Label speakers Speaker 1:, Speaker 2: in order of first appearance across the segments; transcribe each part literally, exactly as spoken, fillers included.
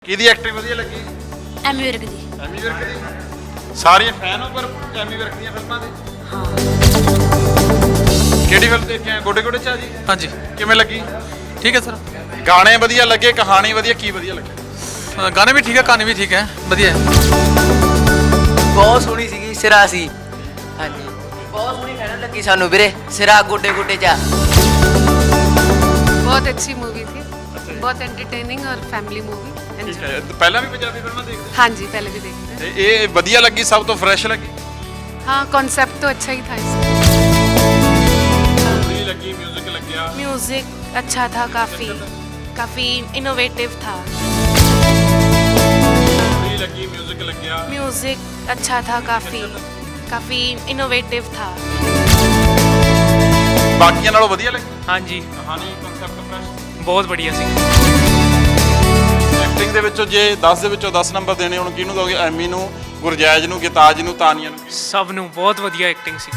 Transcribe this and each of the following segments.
Speaker 1: ਕਿਹਦੀ ਐਕਟਿੰਗ ਵਧੀਆ ਲੱਗੀ?
Speaker 2: ਐਮੀ ਵਿਰਕ ਦੀ।
Speaker 1: ਐਮੀ ਵਿਰਕ ਦੀ ਸਾਰੀਆਂ ਫੈਨ ਹੋ ਪਰ ਐਮੀ ਵਿਰਕ ਦੀਆਂ ਫਿਲਮਾਂ ਦੇ?
Speaker 2: ਹਾਂ।
Speaker 1: ਕਿਹੜੀ ਫਿਲਮ ਦੇਖੇ ਆ? ਗੋਡੇ ਗੋਡੇ ਚਾ ਜੀ।
Speaker 3: ਹਾਂਜੀ
Speaker 1: ਕਿਵੇਂ ਲੱਗੀ?
Speaker 3: ठीक है सर।
Speaker 1: ਗਾਣੇ ਵਧੀਆ ਲੱਗੇ, ਕਹਾਣੀ ਵਧੀਆ, ਕੀ ਵਧੀਆ ਲੱਗੇ?
Speaker 3: गाने भी ठीक है, कहानी भी ठीक है, बढ़िया है।
Speaker 4: ਬਹੁਤ ਸੋਹਣੀ ਸੀਗੀ, ਸਿਰਾ ਸੀ। ਹਾਂਜੀ ਬਹੁਤ ਸੋਹਣੀ ਕਹਿਣ ਲੱਗੀ ਸਾਨੂੰ ਵੀਰੇ, ਸਿਰਾ ਗੋਡੇ ਗੋਡੇ ਚਾ।
Speaker 5: बहुत अच्छी मूवी थी, बहुत एंटरटेनिंग और फैमिली मूवी।
Speaker 1: ਠੀਕ ਹੈ। ਪਹਿਲਾਂ ਵੀ ਪੰਜਾਬੀ ਫਿਲਮਾਂ ਦੇਖਦੇ?
Speaker 5: हाँ जी, पहले भी देखते
Speaker 1: ਤੇ ਇਹ ਵਧੀਆ ਲੱਗੀ, ਸਭ ਤੋਂ ਫਰੈਸ਼ ਲੱਗੀ?
Speaker 5: हैं। हाँ, कॉन्सेप्ट तो अच्छा ही था इसका।
Speaker 1: ਸਟੋਰੀ ਲੱਗੀ, 뮤직 ਲੱਗਿਆ?
Speaker 2: म्यूजिक अच्छा था, काफी काफी इनोवेटिव था।
Speaker 1: ਸਟੋਰੀ ਲੱਗੀ, 뮤직 ਲੱਗਿਆ?
Speaker 2: म्यूजिक अच्छा था, काफी काफी इनोवेटिव था।
Speaker 1: ਬਾਕੀਆਂ ਨਾਲੋਂ ਵਧੀਆ ਲੱਗੀ?
Speaker 3: हाँ जी,
Speaker 1: ਕਹਾਣੀ, ਕਨਸੈਪਟ ਫਰੈਸ਼?
Speaker 3: बहुत बढ़िया सी।
Speaker 1: ਐਕਟਿੰਗ ਦੇ ਵਿੱਚੋਂ ਜੇ ਦਸ ਦੇ ਵਿੱਚੋਂ ਦਸ ਨੰਬਰ ਦੇਣੇ ਹੁਣ ਕਿਹਨੂੰ ਦੋਗੇ? ਐਮੀ ਨੂੰ, ਗੁਰਜੈਜ ਨੂੰ, ਗਿਤਾਜ ਨੂੰ, ਤਾਨੀਆ ਨੂੰ?
Speaker 3: सब नू बहुत बढ़िया एक्टिंग सी।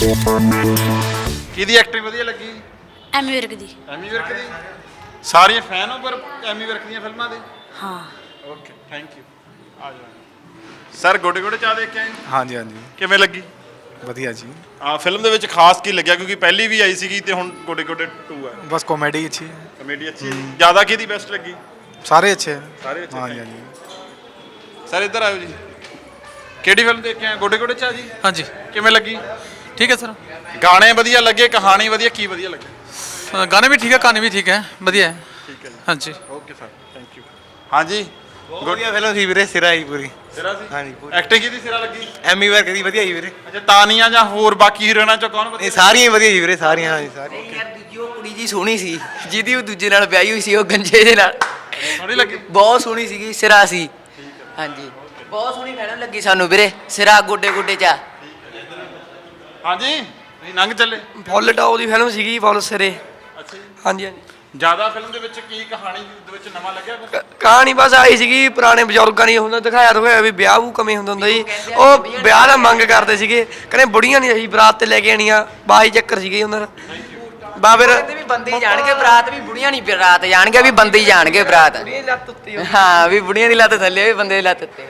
Speaker 1: ਕਿਹਦੀ ਐਕਟਿੰਗ ਵਧੀਆ ਲੱਗੀ?
Speaker 2: ਐਮੀ ਵਿਰਕ ਦੀ।
Speaker 1: ਐਮੀ ਵਿਰਕ ਦੀ ਸਾਰੀਆਂ ਫੈਨ ਹੋ ਪਰ ਐਮੀ ਵਿਰਕ ਦੀਆਂ ਫਿਲਮਾਂ ਦੇ?
Speaker 2: ਹਾਂ।
Speaker 1: Okay, thank you. ਆ ਜਾਓ ਸਰ। ਗੋਡੇ ਗੋਡੇ ਚਾਹ ਦੇਖ ਕੇ ਆਏ?
Speaker 6: ਹਾਂਜੀ ਹਾਂਜੀ
Speaker 1: ਕਿਵੇਂ ਲੱਗੀ?
Speaker 6: ਵਧੀਆ ਜੀ।
Speaker 1: ਆ ਫਿਲਮ ਦੇ ਵਿੱਚ ਖਾਸ ਕੀ ਲੱਗਿਆ? ਕਿਉਂਕਿ ਪਹਿਲੀ ਵੀ ਆਈ ਸੀਗੀ ਤੇ ਹੁਣ ਗੋਡੇ ਗੋਡੇ ਟੂ ਹੈ।
Speaker 6: ਬਸ ਕਾਮੇਡੀ ਅੱਛੀ ਹੈ,
Speaker 1: ਕਮੇਡੀ ਅੱਛੀ ਹੈ। ਜ਼ਿਆਦਾ ਕਿਹਦੀ ਬੈਸਟ ਲੱਗੀ?
Speaker 6: ਸਾਰੇ ਅੱਛੇ ਹੈ।
Speaker 1: ਸਾਰੇ ਅੱਛੇ,
Speaker 6: ਹਾਂਜੀ
Speaker 1: thank
Speaker 6: ਹਾਂਜੀ
Speaker 1: ਸਰ ਇੱਧਰ ਆਇਓ ਜੀ। ਕਿਹੜੀ ਫਿਲਮ ਦੇਖ ਕੇ ਆਏ? ਗੋਡੇ ਗੋਡੇ ਚਾਹ ਜੀ।
Speaker 3: हाँ जी,
Speaker 1: ਕਿਵੇਂ ਲੱਗੀ?
Speaker 3: ठीक है सर।
Speaker 1: ਗਾਣੇ ਵਧੀਆ ਲੱਗੇ, ਕਹਾਣੀ ਵਧੀਆ, ਕੀ ਵਧੀਆ ਲੱਗੇ?
Speaker 3: गाने भी ठीक है, कहानी भी ठीक है, बढ़िया है।
Speaker 1: ਠੀਕ ਹੈ ਜੀ।
Speaker 3: हाँ जी।
Speaker 1: Okay sir, thank you. ਹਾਂਜੀ
Speaker 7: ਵਧੀਆ ਫਿਲਮ ਸੀ ਵੀਰੇ, ਸਿਰਾ ਹੀ ਪੂਰੀ।
Speaker 1: ਸਿਰਾ ਸੀ?
Speaker 7: ਹਾਂਜੀ, ਪੂਰੀ।
Speaker 1: ਐਕਟਿੰਗ ਕਿਹਦੀ ਸਿਰਾ ਲੱਗੀ?
Speaker 7: ਐਮੀ ਵਰਕ ਦੀ ਵਧੀਆ ਜੀ ਵੀਰੇ।
Speaker 1: ਅੱਛਾ, ਤਾਨੀਆ ਜਾਂ ਹੋਰ ਬਾਕੀ ਹੀਰੋਇਨਾਂ ਚੋਂ ਕੌਣ ਵਧੀਆ?
Speaker 7: ਇਹ ਸਾਰੀਆਂ ਹੀ ਵਧੀਆ ਜੀ ਵੀਰੇ, ਸਾਰੀਆਂ। ਹਾਂਜੀ ਸਾਰੀਆਂ।
Speaker 4: ਯਾਰ ਦੂਜੀ ਉਹ ਕੁੜੀ ਜੀ ਸੋਹਣੀ ਸੀ, ਜਿਹਦੀ ਉਹ ਦੂਜੇ ਨਾਲ ਵਿਆਹੀ ਹੋਈ ਸੀ, ਉਹ ਗੰਜੇ ਦੇ ਨਾਲ।
Speaker 1: ਸੋਹਣੀ ਲੱਗੀ?
Speaker 4: ਬਹੁਤ ਸੋਹਣੀ ਸੀਗੀ, ਸਿਰਾ ਸੀ। ਹਾਂਜੀ ਬਹੁਤ ਸੋਹਣੀ ਕਹਿਣ ਲੱਗੀ ਸਾਨੂੰ ਵੀਰੇ, ਸਿਰਾ ਗੋਡੇ ਗੋਡੇ ਚਾ।
Speaker 1: ਹਾਂਜੀ ਨਹੀਂ ਲੰਘ ਚੱਲੇ।
Speaker 8: ਫੁੱਲ ਟੌਪ ਦੀ ਫਿਲਮ ਸੀਗੀ, ਫੁੱਲ ਸਿਰੇ।
Speaker 1: ਅੱਛਾ ਜੀ।
Speaker 8: ਹਾਂਜੀ ਹਾਂਜੀ।
Speaker 1: ਜ਼ਿਆਦਾ ਫਿਲਮ ਦੇ ਵਿੱਚ ਕੀ ਕਹਾਣੀ ਦੇ ਵਿੱਚ ਨਵਾਂ ਲੱਗਿਆ ਕੁਛ?
Speaker 8: ਕ- ਕਹਾਣੀ ਬਸ ਆਈ ਸੀਗੀ, ਪੁਰਾਣੇ ਬਜ਼ੁਰਗਾਂ ਦੀ ਹੁੰਦਾ ਦਿਖਾਇਆ ਦਿਖਾਇਆ ਵੀ ਵਿਆਹ ਵੂ ਕਮੇ ਹੁੰਦਾ ਹੁੰਦਾ ਜੀ। ਉਹ ਵਿਆਹ ਦਾ ਮੰਗ ਕਰਦੇ ਸੀਗੇ, ਕਹਿੰਦੇ ਬੁੜੀਆਂ ਨਹੀਂ ਅਸੀਂ ਬਰਾਤ ਤੇ ਲੈ ਕੇ ਆਣੀਆਂ, ਬਾਈ ਚੱਕਰ ਸੀਗੇ ਉਹਨਾਂ ਦਾ। ਬਾ ਫਿਰ
Speaker 4: ਕਹਿੰਦੇ ਵੀ ਬੰਦੇ ਹੀ ਜਾਣਗੇ ਬਰਾਤ, ਵੀ ਬੁੜੀਆਂ ਨਹੀਂ ਬਰਾਤ ਜਾਣਗੇ, ਵੀ ਬੰਦੇ ਹੀ ਜਾਣਗੇ ਬਰਾਤ।
Speaker 8: ਬੁੜੀਆਂ ਦੀ ਲੱਤ ਉੱਤੇ ਹੋਈ।
Speaker 4: ਹਾਂ, ਵੀ ਬੁੜੀਆਂ ਦੀ ਲੱਤ ਥੱਲੇ, ਵੀ ਬੰਦੇ ਦੀ ਲੱਤ ਉੱਤੇ।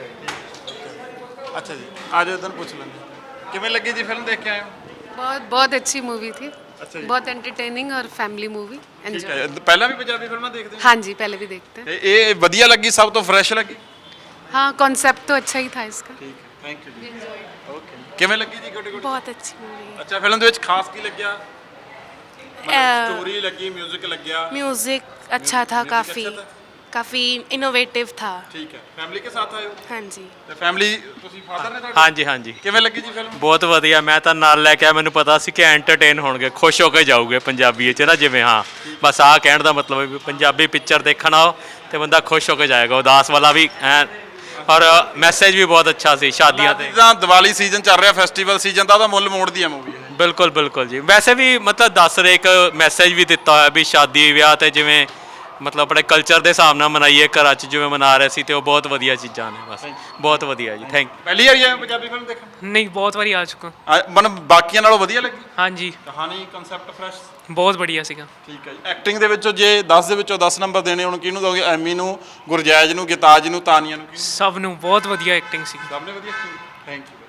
Speaker 1: ਅੱਛਾ ਜੀ, ਆ ਜਾਓ ਤੁਹਾਨੂੰ ਪੁੱਛ ਲੈਂਦੇ। ਕਿਵੇਂ ਲੱਗੀ ਜੀ ਫਿਲਮ ਦੇਖ ਕੇ ਆਏ ਹੋ?
Speaker 5: बहुत बहुत अच्छी मूवी थी,
Speaker 1: अच्छा जी।
Speaker 5: बहुत एंटरटेनिंग और फैमिली मूवी।
Speaker 1: ਠੀਕ
Speaker 5: एंजॉय।
Speaker 1: ਹੈ। ਪਹਿਲਾਂ ਵੀ ਪੰਜਾਬੀ ਫਿਲਮਾਂ ਦੇਖਦੇ ਹੋ?
Speaker 5: हाँ जी, पहले भी देखते हैं।
Speaker 1: ਤੇ ਇਹ ਵਧੀਆ ਲੱਗੀ, ਸਭ ਤੋਂ ਫਰੈਸ਼ ਲੱਗੀ?
Speaker 5: हाँ, कॉन्सेप्ट तो अच्छा ही था इसका।
Speaker 1: ਠੀਕ ਹੈ, ਥੈਂਕ ਯੂ ਜੀ। ਓਕੇ, ਕਿਵੇਂ ਲੱਗੀ ਜੀ ਗੋਡੇ ਗੋਡੇ?
Speaker 2: ਬਹੁਤ ਅੱਛੀ मूवी
Speaker 1: ਅੱਛਾ, ਫਿਲਮ ਦੇ ਵਿੱਚ ਖਾਸ ਕੀ ਲੱਗਿਆ?
Speaker 2: है।
Speaker 1: ਸਟੋਰੀ ਲੱਗੀ, 뮤직 ਲੱਗਿਆ?
Speaker 2: म्यूजिक अच्छा था,
Speaker 1: Music
Speaker 2: काफी
Speaker 1: अच्छा था?
Speaker 2: काफी इनोवेटिव था।
Speaker 1: ਠੀਕ ਹੈ। ਫੈਮਿਲੀ ਕੇ ਸਾਥ ਆਏ ਹੋ?
Speaker 2: हाँ जी।
Speaker 1: ਤੇ ਫੈਮਿਲੀ ਤੁਸੀਂ ਫਾਦਰ ਨੇ ਤੁਹਾਡੇ?
Speaker 9: ਹਾਂਜੀ ਹਾਂਜੀ
Speaker 1: ਕਿਵੇਂ ਲੱਗੀ ਜੀ ਫਿਲਮ?
Speaker 9: ਬਹੁਤ ਵਧੀਆ। ਮੈਂ ਤਾਂ ਨਾਲ ਲੈ ਕੇ ਆਇਆ, ਮੈਨੂੰ ਪਤਾ ਸੀ ਕਿ ਐਂਟਰਟੇਨ ਹੋਣਗੇ, ਖੁਸ਼ ਹੋ ਕੇ ਜਾਊਗੇ ਪੰਜਾਬੀ 'ਚ ਨਾ, ਜਿਵੇਂ। ਹਾਂ, ਬਸ ਆਹ ਕਹਿਣ ਦਾ ਮਤਲਬ ਹੈ ਵੀ ਪੰਜਾਬੀ ਪਿਕਚਰ ਦੇਖਣ ਆਓ ਤੇ ਬੰਦਾ ਖੁਸ਼ ਹੋ ਕੇ ਜਾਏਗਾ। ਉਦਾਸ ਵਾਲਾ ਵੀ ਐ, ਔਰ ਮੈਸੇਜ ਵੀ ਬਹੁਤ ਅੱਛਾ ਸੀ ਸ਼ਾਦੀਆਂ ਤੇ।
Speaker 1: ਜਿੱਦਾਂ ਦੀਵਾਲੀ ਸੀਜ਼ਨ ਚੱਲ ਰਿਹਾ, ਫੈਸਟੀਵਲ ਸੀਜ਼ਨ ਦਾ, ਉਹਦਾ ਮੁੱਲ ਮੋੜਦੀ ਆ ਮੂਵੀ।
Speaker 9: ਬਿਲਕੁਲ ਬਿਲਕੁਲ ਜੀ। ਵੈਸੇ ਵੀ ਮਤਲਬ ਦੱਸ ਰਹੇ, ਇੱਕ ਮੈਸੇਜ ਵੀ ਦਿੱਤਾ ਹੋਇਆ ਵੀ ਸ਼ਾਦੀ ਵਿਆਹ ਤੇ ਜਿਵੇਂ ਮਤਲਬ ਆਪਣੇ ਕਲਚਰ ਦੇ ਹਿਸਾਬ ਨਾਲ ਮਨਾਈਏ, ਘਰਾਂ 'ਚ ਜਿਵੇਂ ਮਨਾ ਰਹੇ ਸੀ, ਤੇ ਉਹ ਬਹੁਤ ਵਧੀਆ ਚੀਜ਼ਾਂ ਨੇ। ਬਸ ਬਹੁਤ ਵਧੀਆ ਜੀ, ਥੈਂਕ
Speaker 1: ਪਹਿਲੀ ਵਾਰੀ ਆਏ ਹੋ ਪੰਜਾਬੀ ਫਿਲਮ ਦੇਖਣ?
Speaker 3: नहीं, बहुत बारी आ चुका।
Speaker 1: ਆ- ਮਨ ਬਾਕੀਆਂ ਨਾਲੋਂ ਵਧੀਆ ਲੱਗੀ?
Speaker 3: हाँ जी,
Speaker 1: ਕਹਾਣੀ, ਕਨਸੈਪਟ ਫਰੈਸ਼?
Speaker 3: बहुत बढ़िया सीगा।
Speaker 1: ਠੀਕ ਹੈ ਜੀ। ਐਕਟਿੰਗ ਦੇ ਵਿੱਚੋਂ ਜੇ ਦਸ ਦੇ ਵਿੱਚੋਂ ਦਸ ਨੰਬਰ ਦੇਣੇ ਹੁਣ ਕਿਹਨੂੰ ਦੋਗੇ? ਐਮੀ ਨੂੰ, ਗੁਰਜੈਜ ਨੂੰ, ਗਿਤਾਜ ਨੂੰ, ਤਾਨੀਆ ਨੂੰ?
Speaker 3: सब नू बहुत बढ़िया एक्टिंग सी।
Speaker 1: ਸਭ ਨੇ ਵਧੀਆ? Thank you.